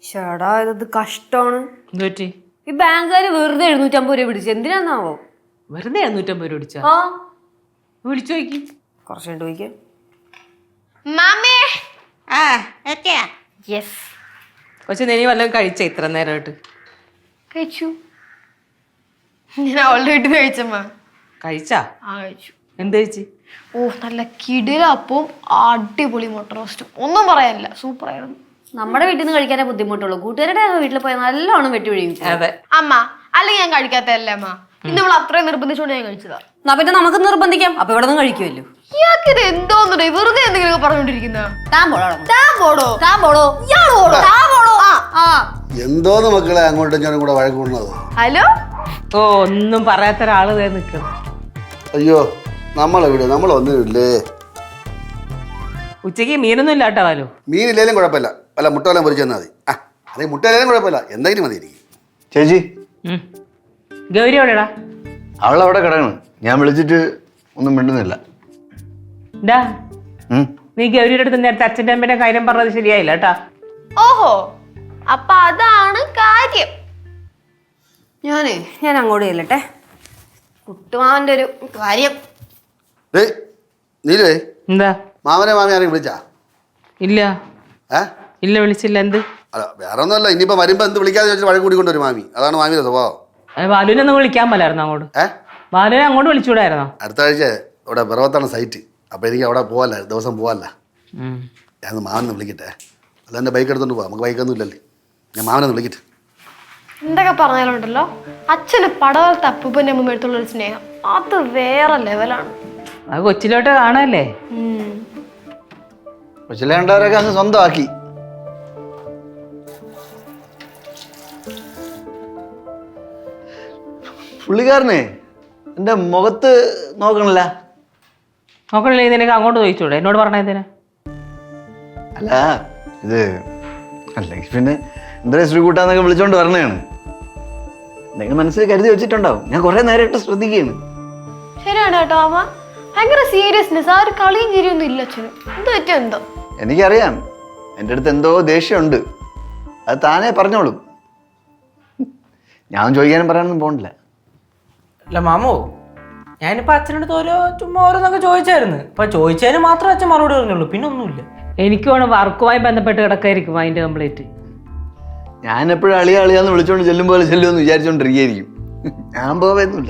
ചേടാ ഇത് കഷ്ടമാണ്. എന്തുപറ്റി? ഈ ബാങ്കുകാര് വെറുതെ 750 രൂപ പിടിച്ചു. എന്തിനാന്നാവോ? വെറുതെ 750 രൂപ പിടിച്ചാ? ആ വിളിച്ചു നോക്കി. കുറച്ച് കണ്ടു പോയിക്കേ. പക്ഷെ നീ വല്ലതും കഴിച്ച ഇത്ര നേരമായിട്ട്? കഴിച്ചു. ഞാൻ ഓൾറെഡി കഴിച്ചമ്മ. കഴിച്ചാ? കഴിച്ചു. എന്ത് കഴിച്ച്? ഓ നല്ല കിടിലപ്പവും അടിപൊളി മുട്ട റോസ്റ്റും. ഒന്നും പറയാനില്ല, സൂപ്പർ ആയിരുന്നു. നമ്മുടെ വീട്ടിൽ നിന്ന് കഴിക്കാനേ ബുദ്ധിമുട്ടുള്ളൂ. കൂട്ടുകാരുടെ വീട്ടിൽ പോയാൽ നല്ലോണം വെട്ടി ഒഴിയും. അതെ അമ്മ, അല്ലെങ്കിൽ ഞാൻ കഴിക്കാത്തല്ലേ അമ്മ. ഇന്ന് നമ്മൾ അത്രയും നിർബന്ധിച്ചോണ്ട് ഞാൻ കഴിച്ചതാ. എന്നാ പിന്നെ നമുക്ക് നിർബന്ധിക്കാം. അപ്പൊ ഇവിടെ നിന്ന് കഴിക്കുമല്ലോ. ഇയാൾക്ക് ഇത് എന്തോന്നുണ്ടോ വെറുതെ എന്തെങ്കിലും പറഞ്ഞോണ്ടിരിക്കുന്ന? എന്തോന്ന് മക്കളെ അങ്ങോട്ടും ഞാനും കൂടെ വഴക്കൂടുന്നത്? ഹലോ. ഓ ഒന്നും പറയാത്ത ഒരാള് നിൽക്കണം. അയ്യോ നമ്മളെവിടെ? നമ്മളൊന്നുമില്ലേ. ഉച്ചക്ക് മീനൊന്നും ഇല്ല കേട്ടോ. വാലു മീനില്ലേലും കുഴപ്പമില്ല, അല്ല മുട്ട വല്ലതും പൊരിച്ചു തന്നാൽ മതി. അല്ലെങ്കിൽ മുട്ട ഇല്ലേലും കുഴപ്പമില്ല, എന്തെങ്കിലും മതി എനിക്ക്. ചേച്ചി ഗൗരി എവിടെടാ? അവളവിടെ കിടക്കണം. ഞാൻ വിളിച്ചിട്ട് ഒന്നും മിണ്ടുന്നില്ല. നീ ഗൗരിയുടെ അടുത്ത് നേരത്തെ അച്ഛൻ്റെ അമ്മേന്റെ കാര്യം പറഞ്ഞത് ശരിയായില്ല കേട്ടാ. ഓഹോ, അപ്പൊ അതാണ് കാര്യം. ഞാൻ അങ്ങോട്ട് ചെല്ലട്ടെ. കുട്ടുമാവന്റെ ഒരു കാര്യം. നീലേ എന്താ? മാമനെ മാമി ആരെയും വിളിച്ചാ? ഇല്ല ഇല്ല വിളിച്ചില്ല. എന്ത്? അല്ല വേറെ ഒന്നുമല്ല, ഇനിയിപ്പോ വരുമ്പോ എന്ത് വിളിക്കാതെ ചോദിച്ചാൽ വഴക്ക് കൂടിക്കൊണ്ടൊരു മാമി. അതാണ് മാമിയുടെ സ്വഭാവം. ബാലുവിനെ ഒന്ന് വിളിക്കാൻ പോലായിരുന്നു അങ്ങോട്ട്. ബാലുവിനെ അങ്ങോട്ട് വിളിച്ചുകൂടായിരുന്നോ? അടുത്ത ആഴ്ച ഇവിടെ പിറവത്താണ് സൈറ്റ്. അപ്പൊ എനിക്ക് അവിടെ പോവല്ല, ദിവസം പോവല്ല. ഞാൻ മാമനെ വിളിക്കട്ടെ. അല്ല എന്റെ ബൈക്ക് എടുത്തോണ്ട് പോവാം, നമുക്ക് ബൈക്കൊന്നും ഇല്ലല്ലേ. ഞാൻ മാമനെ വിളിക്കട്ടെ. എന്തൊക്കെ പറഞ്ഞാലുണ്ടല്ലോ, അച്ഛന് പടവലത്തെ അപ്പൂപ്പന്റെ അമ്മ എടുത്തുള്ള ഒരു സ്നേഹം അത് വേറെ ലെവലാണ്. അത് കൊച്ചിലോട്ട് കാണാല്ലേ. കൊച്ചിലേണ്ടവരൊക്കെ അങ്ങ് സ്വന്തമാക്കി. പുള്ളിക്കാരനെ എന്റെ മുഖത്ത് നോക്കണില്ല. നോക്കണില്ലേ? നിനക്ക് അങ്ങോട്ട് ചോദിച്ചൂടെ? എന്നോട് പറഞ്ഞതിന്. അല്ല ഇത് അല്ലെങ്കിൽ പിന്നെ എന്തായാലും ശ്രീകൂട്ടാന്നൊക്കെ വിളിച്ചോണ്ട് വരണേണ്. എന്തെങ്കിലും മനസ്സിൽ കരുതി വെച്ചിട്ടുണ്ടാവും. ഞാൻ കുറെ നേരമായിട്ട് ശ്രദ്ധിക്കുകയാണ്. ശരിയാണ് കേട്ടോ അമ്മ, ഭയങ്കര സീരിയസ്നെസ്. ആ ഒരു കളിയും ചിരിയൊന്നും ഇല്ല അച്ഛന്. എന്ത് പറ്റും എന്തോ. എനിക്കറിയാം എൻ്റെ അടുത്ത് എന്തോ ദേഷ്യമുണ്ട്. അത് താനേ പറഞ്ഞോളും. ഞാൻ ചോദിക്കാനും പറയാനൊന്നും പോകണില്ല. അല്ല മാമോ, ഞാനിപ്പോ അച്ഛനടുത്ത് ചുമ്മാ ഓരോന്നൊക്കെ ചോദിച്ചായിരുന്നു. ഇപ്പൊ ചോദിച്ചതിന് മാത്രമേ അച്ഛൻ മറുപടി പറഞ്ഞുള്ളൂ, പിന്നെ ഒന്നുമില്ല. എനിക്ക് വേണം വർക്കുമായി ബന്ധപ്പെട്ട് കിടക്കായിരിക്കും അതിന്റെ കംപ്ലീറ്റ്. ഞാൻ എപ്പോഴും അളിയാന്ന് വിളിച്ചോണ്ട് ചെല്ലും പോലെ ചെല്ലുമെന്ന് വിചാരിച്ചോണ്ടിരിക്കുകയായിരിക്കും. ഞാൻ പോവുന്നില്ല.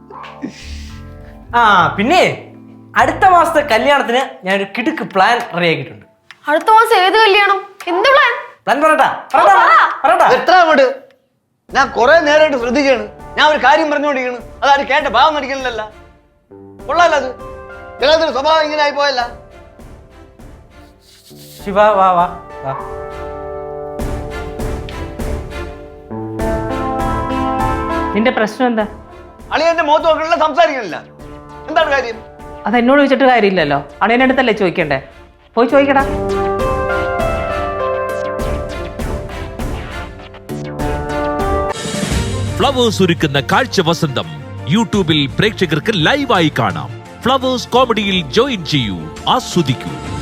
ആ പിന്നെ അടുത്ത മാസത്തെ കല്യാണത്തിന് ഞാനൊരു കിടുക്ക് പ്ലാൻ റെഡിയാക്കിയിട്ടുണ്ട്. അടുത്ത മാസം ഏത് കല്യാണം? എന്ത് പ്ലാൻ? പ്ലാൻ പറയട്ടാ. എത്ര അങ്ങോട്ട്? ഞാൻ കുറെ നേരമായിട്ട് ശ്രദ്ധിക്കുകയാണ്. ഞാൻ ഒരു കാര്യം പറഞ്ഞുകൊണ്ടിരിക്കുന്നു, അതാരും കേട്ട ഭാവം നടിക്കണില്ലല്ല. കൊള്ളാല്ല അത്. എല്ലാത്തിനും സ്വഭാവം ഇങ്ങനെ ആയി പോയല്ല. ശിവ വാ വാ വാ. നിന്റെ പ്രശ്നം എന്താ? അളിയന്റെ മുഖത്ത് നോക്കണില്ല, സംസാരിക്കണില്ല. എന്താണ് കാര്യം? അത് എന്നോട് ചോദിച്ചിട്ട് കാര്യമില്ലല്ലോ. അളിയൻ്റെ അടുത്തല്ലേ ചോദിക്കണ്ടേ? പോയി ചോദിക്കടാ. ഫ്ലവേഴ്സ് ഒരുക്കുന്ന കാഴ്ച വസന്തം യൂട്യൂബിൽ പ്രേക്ഷകർക്ക് ലൈവായി കാണാം. ഫ്ലവേഴ്സ് കോമഡിയിൽ ജോയിൻ ചെയ്യൂ, ആസ്വദിക്കൂ.